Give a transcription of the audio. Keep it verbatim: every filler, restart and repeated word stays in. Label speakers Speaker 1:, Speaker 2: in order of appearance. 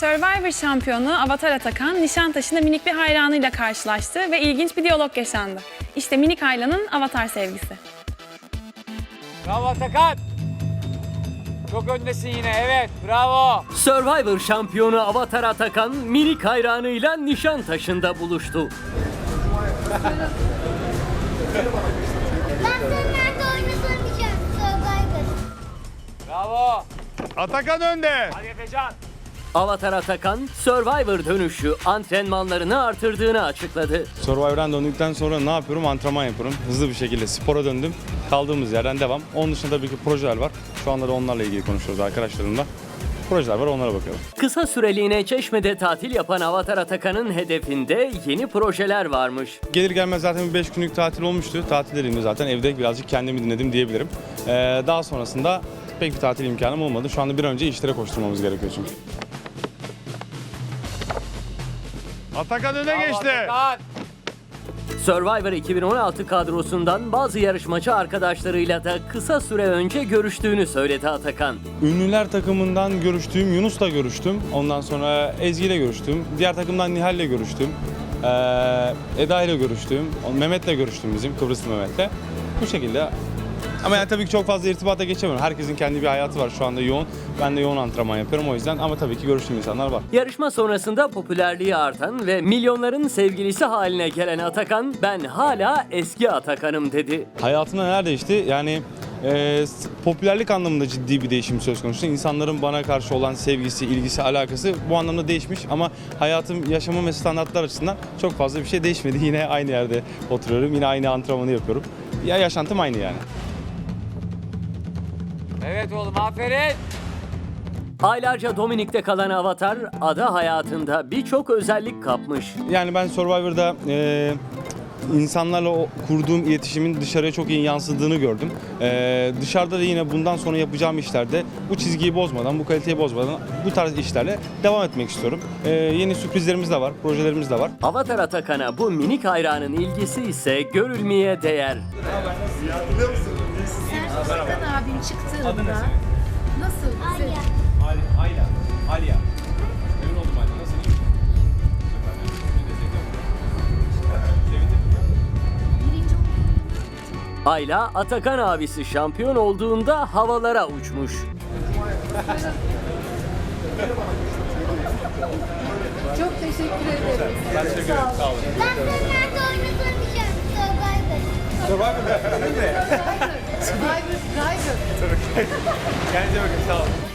Speaker 1: Survivor şampiyonu Avatar Atakan, Nişantaşı'nda minik bir hayranıyla karşılaştı ve ilginç bir diyalog yaşandı. İşte minik Ayla'nın Avatar sevgisi.
Speaker 2: Bravo Atakan. Çok öndesin yine, evet, bravo.
Speaker 3: Survivor şampiyonu Avatar Atakan, minik hayranıyla Nişantaşı'nda buluştu.
Speaker 4: Ben senin nerede oynasam diyeceğim. Survivor.
Speaker 2: Bravo.
Speaker 5: Atakan önde.
Speaker 2: Hadi Efecan.
Speaker 3: Avatar Atakan, Survivor dönüşü antrenmanlarını artırdığını açıkladı.
Speaker 5: Survivor'dan döndükten sonra ne yapıyorum? Antrenman yapıyorum. Hızlı bir şekilde spora döndüm. Kaldığımız yerden devam. Onun dışında tabii ki projeler var. Şu anda da onlarla ilgili konuşuyoruz arkadaşlarımla. Projeler var, onlara bakıyorum.
Speaker 3: Kısa süreliğine Çeşme'de tatil yapan Avatar Atakan'ın hedefinde yeni projeler varmış.
Speaker 5: Gelir gelmez zaten bir beş günlük tatil olmuştu. Tatil dediğimde zaten evde birazcık kendimi dinledim diyebilirim. Ee, daha sonrasında pek bir tatil imkanım olmadı. Şu anda bir an önce işlere koşturmamız gerekiyor çünkü. Atakan öne
Speaker 2: Bravo
Speaker 5: geçti.
Speaker 2: Atakan.
Speaker 3: Survivor iki bin on altı kadrosundan bazı yarışmacı arkadaşlarıyla da kısa süre önce görüştüğünü söyledi Atakan.
Speaker 5: Ünlüler takımından görüştüğüm Yunus'la görüştüm. Ondan sonra Ezgi ile görüştüm. Diğer takımdan Nihal'le görüştüm. Ee, Eda ile görüştüm. Mehmet'le görüştüm bizim, Kıbrıslı Mehmet'le. Bu şekilde. Ama yani tabii ki çok fazla irtibata geçemiyorum. Herkesin kendi bir hayatı var şu anda yoğun. Ben de yoğun antrenman yapıyorum o yüzden ama tabii ki görüştüğüm insanlar var.
Speaker 3: Yarışma sonrasında popülerliği artan ve milyonların sevgilisi haline gelen Atakan, ben hala eski Atakan'ım dedi.
Speaker 5: Hayatımda neler değişti? Yani e, popülerlik anlamında ciddi bir değişim söz konusu. İnsanların bana karşı olan sevgisi, ilgisi, alakası bu anlamda değişmiş. Ama hayatım, yaşamım ve standartlar açısından çok fazla bir şey değişmedi. Yine aynı yerde oturuyorum, yine aynı antrenmanı yapıyorum. Ya yaşantım aynı yani.
Speaker 2: Evet oğlum, aferin.
Speaker 3: Aylarca Dominik'te kalan Avatar, ada hayatında birçok özellik kapmış.
Speaker 5: Yani ben Survivor'da e, insanlarla o kurduğum iletişimin dışarıya çok iyi yansıdığını gördüm. E, dışarıda da yine bundan sonra yapacağım işlerde bu çizgiyi bozmadan, bu kaliteyi bozmadan bu tarz işlerle devam etmek istiyorum. E, yeni sürprizlerimiz de var, projelerimiz de var.
Speaker 3: Avatar Atakan'a bu minik hayranın ilgisi ise görülmeye değer.
Speaker 6: Serkan abim çıktığında nasıl?
Speaker 4: Alya.
Speaker 2: Ayla. Alya. Memnun oldum Ayla. Nasılsın?
Speaker 6: Birinci
Speaker 3: Ayla, Atakan abisi şampiyon olduğunda havalara uçmuş.
Speaker 6: Çok teşekkür ederim.
Speaker 2: Ben teşekkür ederim. Sağ olun.
Speaker 4: Ben senin nerede oynasam diyeceğim. Survivor.
Speaker 2: Survivor.
Speaker 6: Survivor, Survivor.
Speaker 2: Kendinize bakın. Sağ olun.